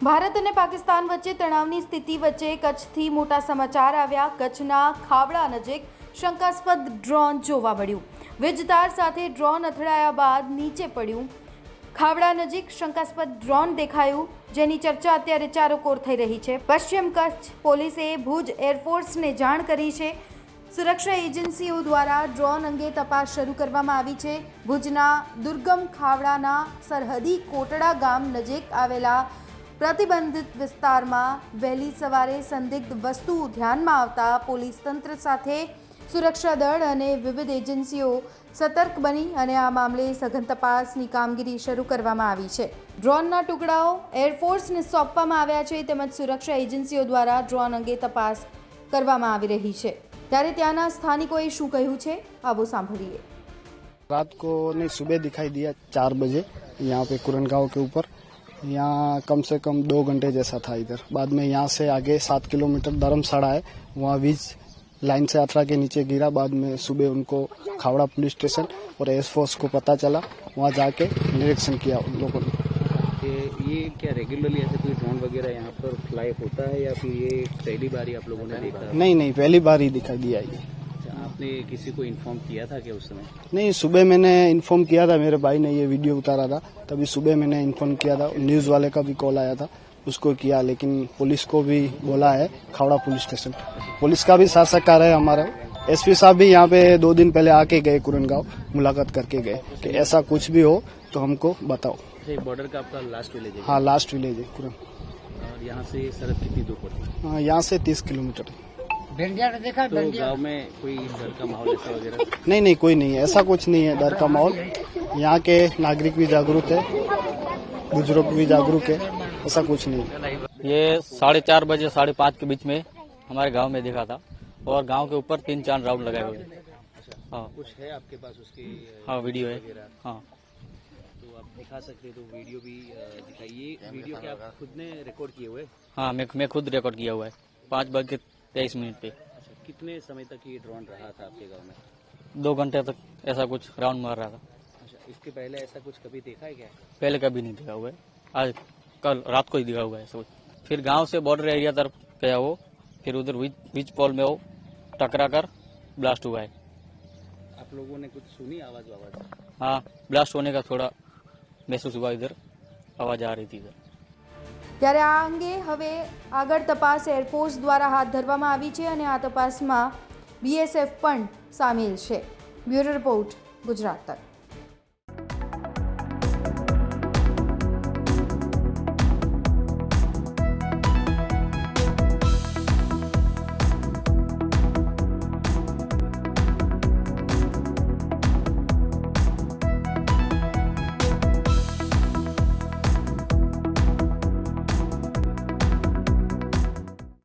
ભારત અને પાકિસ્તાન વચ્ચે તણાવની સ્થિતિ વચ્ચે કચ્છથી મોટા સમાચાર આવ્યા। કચ્છના ખાવડા નજીક શંકાસ્પદ ડ્રોન જોવા મળ્યું। વીજ તાર સાથે ડ્રોન અથડાયા બાદ નીચે પડ્યું। ખાવડા નજીક શંકાસ્પદ ડ્રોન દેખાયું, જેની ચર્ચા અત્યારે ચારોકોર થઈ રહી છે। પશ્ચિમ કચ્છ પોલીસે ભુજ એરફોર્સને જાણ કરી છે। સુરક્ષા એજન્સીઓ દ્વારા ડ્રોન અંગે તપાસ શરૂ કરવામાં આવી છે। ભુજના દુર્ગમ ખાવડાના સરહદી કોટડા ગામ નજીક આવેલા પ્રતિબંધિત વિસ્તારમાં વહેલી સવારે સંદિગ્ધ વસ્તુ ધ્યાનમાં આવતા પોલીસ તંત્ર સાથે સુરક્ષા દળ અને વિવિધ એજન્સીઓ સતર્ક બની અને આ મામલે સઘન તપાસની કામગીરી શરૂ કરવામાં આવી છે। ડ્રોનના ટુકડાઓ એરફોર્સને સોંપવામાં આવ્યા છે, તેમજ સુરક્ષા એજન્સીઓ દ્વારા ડ્રોન અંગે તપાસ કરવામાં આવી રહી છે। ત્યારે ત્યાંના સ્થાનિકોએ શું કહ્યું છે, આવો સાંભળીએ। रात को नहीं, सुबह दिखाई दिया 4 बजे यहाँ पे कुरनगांव के ऊपर। यहाँ कम से कम 2 घंटे जैसा था इधर। बाद में यहाँ से आगे 7 किलोमीटर धर्मशाला है, वहाँ वीज लाइन से अथड़ा के नीचे गिरा। बाद में सुबह उनको खावड़ा पुलिस स्टेशन और एयरफोर्स को पता चला, वहाँ जाके निरीक्षण किया उन लोगों ने। ये क्या रेगुलरली ऐसे कोई ड्रोन वगैरह यहाँ पर फ्लाई होता है या फिर ये पहली बार ही आप लोगों ने देखा? नहीं, पहली बार ही दिखाई दिया ये। आपने किसी को इन्फॉर्म किया था क्या उस समय? नहीं, सुबह मैंने इन्फॉर्म किया था, मेरे भाई ने ये वीडियो उतारा था, तभी सुबह मैंने इन्फॉर्म किया था। न्यूज़ वाले का भी कॉल आया था, उसको किया, लेकिन पुलिस को भी बोला है, खावड़ा पुलिस स्टेशन पुलिस का भी साथ सहकार है हमारा। एसपी साहब भी यहाँ पे 2 दिन पहले आके गए कुरनगांव, मुलाकात करके गए कि ऐसा कुछ भी हो तो हमको बताओ। बॉर्डर का आपका लास्ट विलेज है? हाँ, लास्ट विलेज है कुरन। और यहाँ से सरहद कितनी दूर पड़ती है? हाँ, यहाँ से 30 किलोमीटर। तो गाँव में कोई डर का माहौल ऐसा वगैरह? नहीं, कोई नहीं है, ऐसा कुछ नहीं है डर का माहौल। यहाँ के नागरिक भी जागरूक है, बुजुर्ग भी जागरूक है, ऐसा कुछ नहीं है। ये 4:30 बजे 5:30 के बीच में हमारे गांव में देखा था और गांव के ऊपर 3-4 राउंड लगाए हुए हैं। हाँ, कुछ है आपके पास उसकी? हाँ, वीडियो है। हाँ, तो आप दिखा सकते तो वीडियो भी दिखाइए। वीडियो क्या आप खुद ने रिकॉर्ड किए हुए? हाँ, मैं खुद रिकॉर्ड किया हुआ है 5:23 पे। अच्छा, कितने समय तक ये ड्रोन रहा था आपके गाँव में? 2 घंटे तक ऐसा कुछ राउंड मार रहा था। अच्छा, इसके पहले ऐसा कुछ कभी देखा है क्या? पहले कभी नहीं देखा हुआ है, आज कल रात को ही दिखा हुआ है ऐसा कुछ। फिर गांव से बॉर्डर एरिया तरफ गया वो, फिर उधर बीच पोल में वो टकरा कर ब्लास्ट हुआ है। आप लोगों ने कुछ सुनी आवाज? हाँ, ब्लास्ट होने का थोड़ा महसूस हुआ, इधर आवाज आ रही थी इधर। ત્યારે આ અંગે હવે આગળ તપાસ એરફોર્સ દ્વારા હાથ ધરવામાં આવી છે અને આ તપાસમાં BSF પણ સામેલ છે। બ્યુરો રિપોર્ટ, ગુજરાત તક।